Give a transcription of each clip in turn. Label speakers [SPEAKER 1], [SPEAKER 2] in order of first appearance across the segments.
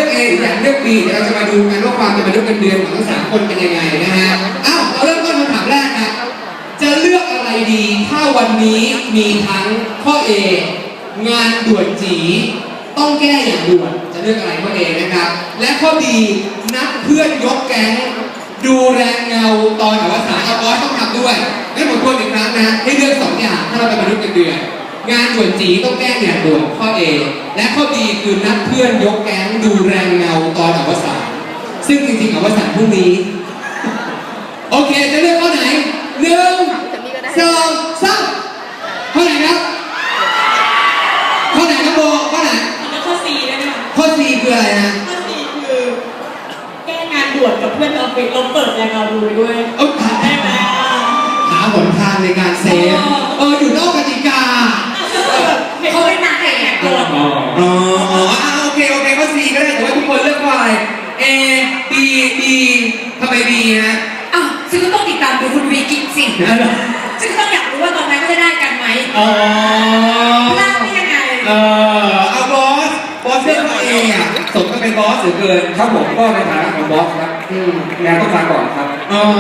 [SPEAKER 1] A หรืออยากเลือก B เดี๋ยวเราจะมาดูกันว่าความเป็นมนุษย์เงินเดือนของทั้ง3คนเป็นยังไงนะฮะอ้าวเราเริ่มต้นคำถามแรกนะจะเลือกอะไรดีถ้าวันนี้มีทั้งข้อ A งานด่วนจีต้องแก้อย่างด่วนจะเลือกอะไรข้อ A นะครับและข้อ B นัดเพื่อนยกแก๊งดูแรงเงาตอนอวสานเอาบอสต้องทำด้วยงั้นผมทวนอีกครั้งนะให้เลือก2อย่างถ้าเราเป็นมนุษย์เงินเดือนงานด่วนจีต้องแก้อย่างด่วนข้อ A และข้อ B คือนัดเพื่อนยกแก๊งดูแรงเงาตอนอวสานซึ่งจริงๆอวสานพรุ่งนี้โอเคจะเลือกข้อไหน1 2 3ข้อไหนครับข้อไหนครับโบข้อไหน
[SPEAKER 2] ข้อ C ได้ไหมคะ
[SPEAKER 1] ข้อ C คืออะไรนะ
[SPEAKER 2] ข้อ C คือแก้งานด่วนกับเพื่อนออฟฟิศเราเปิดแรงเราดูด้วยได้ไหม
[SPEAKER 1] หาหนทางในการเซฟอยู่นอกกติกา
[SPEAKER 2] เขาเป็นนางเอกด่วน
[SPEAKER 1] โอเคข้อ C ก็ได้แต่ว่าทุกคนเลือกว่าอะไร A B B ทำไม B นะ
[SPEAKER 2] ซึ่งก็ต้องติดตามดูคุณวีกินสิซึ่งก็ต้องอยากรู้ว่าตอนนั้นก็จะได้กันไหมพลาดได้ยังไง
[SPEAKER 1] เอาบอสเลือกข้อ A สมกับเป็นบอสหรือเกิน
[SPEAKER 3] ครับผมก็ในฐานะของบอสครับงานต้องฟังก่อนครับ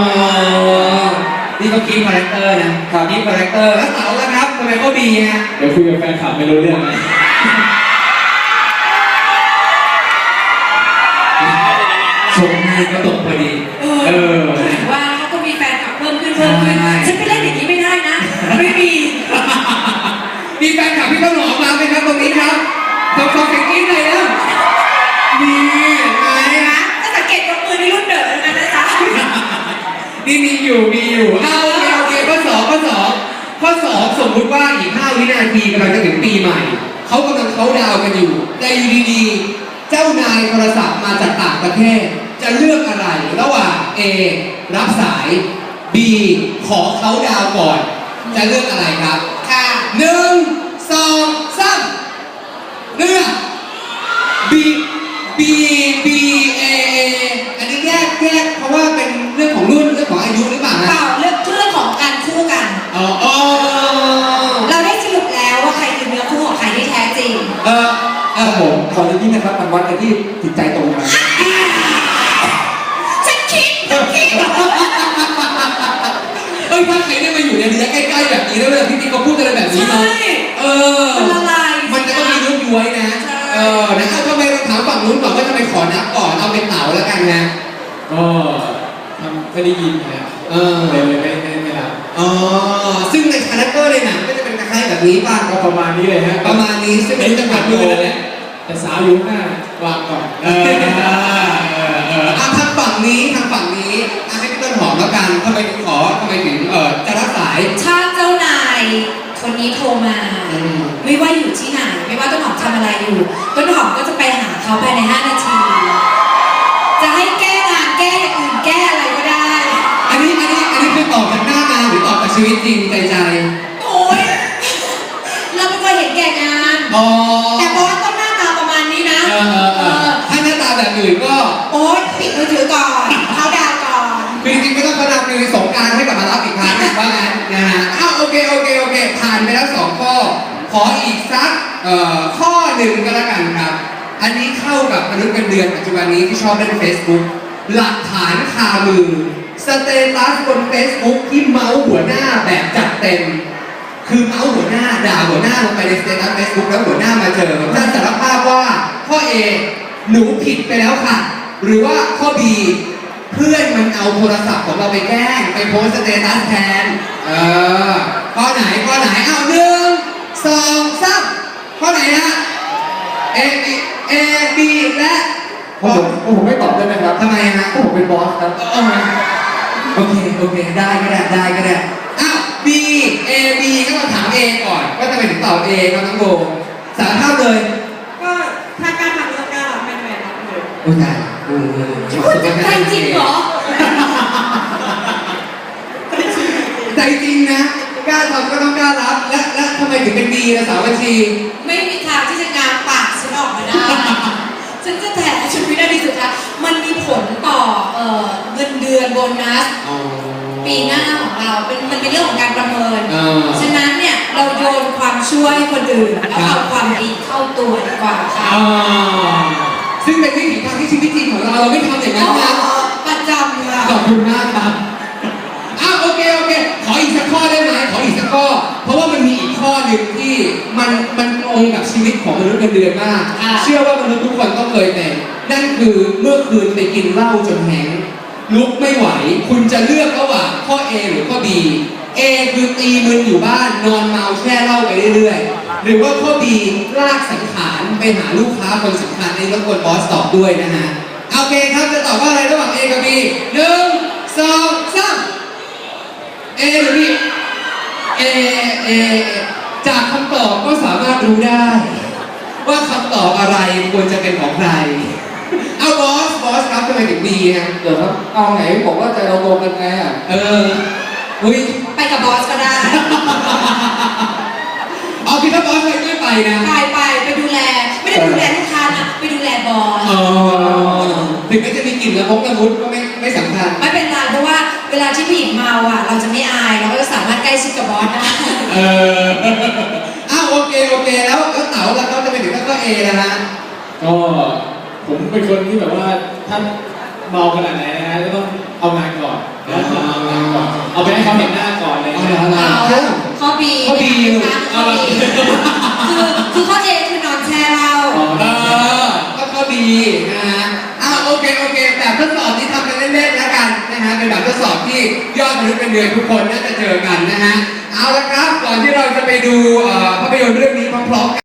[SPEAKER 1] นี่ก็คีย์คาแรคเตอร์นะคีย์คาแรคเตอร์แล้วเต๋าล่ะครับทำไมข้อ B ฮะ
[SPEAKER 3] เดี๋ยวคุยกับแฟนคลับไม่รู้เรื่อง
[SPEAKER 1] ชมให้ก็ตกพอดี
[SPEAKER 2] ว่าเขาก็มีแฟนคลับเพิ่มขึ้นฉันไปเล่นอย่างนี้ไม่ได้นะไม่มี
[SPEAKER 1] มีแฟนคลับพี่ต้นหอมมาไหมครับตรงนี้ครับขอเสียงกรี๊ดหน่อยนะมีไหม
[SPEAKER 2] นะถ้าสังเกตยกมือในรุ่นเดิมนะจ๊ะ
[SPEAKER 1] นี่มีอยู่โอเคข้อ 2สมมุติว่าอีก5 วินาทีกำลังจะถึงปีใหม่เขากำลังเขาดาวกันอยู่แต่อยู่ดีๆเจ้านายโทรศัพท์มาจากต่างประเทศจะเลือกอะไรระหว่าง A รับสาย B ขอเขาดาวก่อนจะเลือกอะไรครับ
[SPEAKER 2] ค่ะ
[SPEAKER 1] 1 2 3เลือก B A อันนี้แยกเพราะว่าเป็นเรื่องของรุ่นเรื่องของอายุหรือเปล่า
[SPEAKER 2] เปล่าเรื่องของการคู่กันเราได้สรุปแล้วว่าใครคือเนื้อคู่ของใครที่แท้จริง
[SPEAKER 3] ผมขอเรื่องนี้นะครับมันวัดกันที่จิตใจตรงกัน
[SPEAKER 2] ฉันคิด
[SPEAKER 1] ถ้าใครได้มาอยู่ในระยะใกล้ๆแบบนี้แล้วเวลาพี่ติ๊กเขาพูดอะไรแบบนี้เนาะมันจะต้องมียุ้ยย้วยนะนะครับทำไมเราถามฝั่งนู้นก่อนว่าทำไมขอนับก่อนเอาเป็นเต๋าแล้วกันนะ
[SPEAKER 3] ไม่ได้ยินนะเลยไม่รับ
[SPEAKER 1] ซึ่งในคาแรคเตอร์ในหนังก็จะเป็นคล้ายๆแบบนี้ป่ะ
[SPEAKER 3] ก็ประมาณนี้เลยฮะ
[SPEAKER 1] ประมาณนี้ซึ่งเป็นจังหวะมือนั่นแหละ
[SPEAKER 3] แต่สาวอยู่หน้าวางก่อน
[SPEAKER 1] ทางฝั่งนี้ให้พี่ต้นหอมแล้วกันทำไมถึงจะรับสาย
[SPEAKER 2] ถ้าเจ้านายคนนี้โทรมาไม่ว่าอยู่ที่ไหนไม่ว่าต้นหอมทำอะไรอยู่ต้นหอมก็จะไปหาเขาภายใน5 นาทีจะให้แก้งานแก้อย่างอื่นแก้อะไรก็ได้
[SPEAKER 1] อันนี้คือตอบจากหน้างานหรือตอบจากชีวิตจริงใจ
[SPEAKER 2] โอ๊ยเราไม่เคยเห็นแก่งานแต่บอสต้องหน้าตาประมาณนี้นะ
[SPEAKER 1] ถ้าหน้าตาแบบอื่นก็
[SPEAKER 2] โอ๊ยปิดมือถือก่อนเขาดาวก่อน
[SPEAKER 1] คือจริงๆไม่ต้องเขาดาวคือสงกรานต์ให้กลับมารับอีกครั้งว่างั้นนะฮะโอเคผ่านไปแล้ว2 ข้อขออีกสักข้อหนึ่งก็แล้วกันครับอันนี้เข้ากับมนุษย์เงินเดือนปัจจุบันนี้ที่ชอบเล่น Facebook หลักฐานคามือสเตตัสบน Facebook ที่เมาส์หัวหน้าแบบจัดเต็มคือเมาส์หัวหน้าด่าหัวหน้าลงไปในสเตตัส Facebook แล้วหัวหน้ามาเจอจะสารภาพว่าข้อ A หนูผิดไปแล้วค่ะหรือว่าข้อ B เพื่อนมันเอาโทรศัพท์ของเราไปแกล้งไปโพสสเตตัสแทนข้อไหนเอา1 2 3ข้อไหนฮะ A B และ
[SPEAKER 3] ผมไม่ตอบได้ไหมครับ
[SPEAKER 1] ทำไมฮะ
[SPEAKER 3] ผมเป็นบอสครับ
[SPEAKER 1] โอเคได้ก็ได้B A B ก็มาถาม A ก่อนว่าทำไมถึงตอบ A ครับน้องโบสารภาพเลย
[SPEAKER 2] ก็ถ้าการทำแล้วการรับแมนรับเลย
[SPEAKER 1] โอ้ยได้
[SPEAKER 2] ใจจริงเหรอ
[SPEAKER 1] ใจจริงนะกล้าทำก็ต้องกล้ารับและทำไมถึงเป็น B นะสาวบัญชี
[SPEAKER 2] ไม่มีทางที่จะงานปากฉันออกมาได้ฉันจะแถชุดวินาทีสุดท้ายมันมีผลต่อเงินเดือนโบนัสปีหน้าของเรามันเป็นเรื่องของการประเมินฉะนั้นเนี่ยเราโยนความช่วยคนอื่นแล้วเอาความดีเข้าตัวดีกว่าค่ะ
[SPEAKER 1] แซึ่งเป็นวิถีทางที่ชีวิตจริงของเราไม่ทำอย่างนั้นนะ
[SPEAKER 2] ประจำค่ะ
[SPEAKER 1] ขอบคุณมากครับอ้าวโอเคขออีกสักข้อได้ไหมขออีกสักข้อเพราะว่ามันมีอีกข้อหนึ่งที่มันตรงกับชีวิตของมนุษย์เงินเดือนมากเชื่อว่ามนุษย์ทุกคนต้องเคยเป็นนั่นคือเมื่อคืนไปกินเหล้าจนแห้งลุกไม่ไหวคุณจะเลือกระหว่างข้อ A หรือข้อ B A คือตีมึนอยู่บ้านนอนเมาแช่เหล้าไปเรื่อยๆหรือว่าข้อ B ลากสังขารไปหาลูกค้าคนสำคัญในรบกวนบอสตอบด้วยนะฮะโอเคครับจะตอบว่าอะไรระหว่าง A กับ B 1 2 3 A หรือ B A จากคำตอบก็สามารถรู้ได้ ว่าคำตอบอะไรควรจะเป็นของใครเอาบอสครับทำไมถึง B ฮะ
[SPEAKER 3] เดี๋ยวครับเอาไหนบอกว่าใจเราตรงกันไงอ่ะ
[SPEAKER 1] อุ้ย
[SPEAKER 2] ไปกับบอสก็ได้
[SPEAKER 1] เอาคิดว่าบอสไม่ไปนะ
[SPEAKER 2] ไปดูแล ไม่ได้ไปดูแลลูกค้านะไปดูแลบอส
[SPEAKER 1] ถึงแม้จะมีกลิ่นละมุดก็ไม่สำคัญ
[SPEAKER 2] ไม่เป็นไรเพราะว่าเวลาที่ผู้หญิงเมาอ่ะ เราจะไม่อายเราก็จะสามารถใกล้ชิดกับบอสได้
[SPEAKER 1] อ้าวโอเคแล้วเต๋าแล้วเขาจะไปถึงก็ A แล้วฮะ
[SPEAKER 4] ก็ผมเป็นคนที่แบบว่าถ้าเมาขนาดไหนนะฮะก็ต้องเอางานก่อนนะเอางานก่อนเอาไปให้เขาเห็นหน้าก่อนเลย
[SPEAKER 1] เอา
[SPEAKER 4] นะ
[SPEAKER 1] เหรอ
[SPEAKER 2] ข้อ B
[SPEAKER 1] ข้อ B
[SPEAKER 2] ข้อ B คือข้อ A คือนอนแช่เหล้า
[SPEAKER 1] ก็ดีนะฮะโอเคแบบทดสอบที่ทำกันเล่นๆแล้วกันนะฮะเป็นแบบทดสอบที่ยอดมนุษย์เป็นเดือนทุกคนน่าจะเจอกันนะฮะเอาละครับก่อนที่เราจะไปดูภาพยนตร์เรื่องนี้พร้อมๆกัน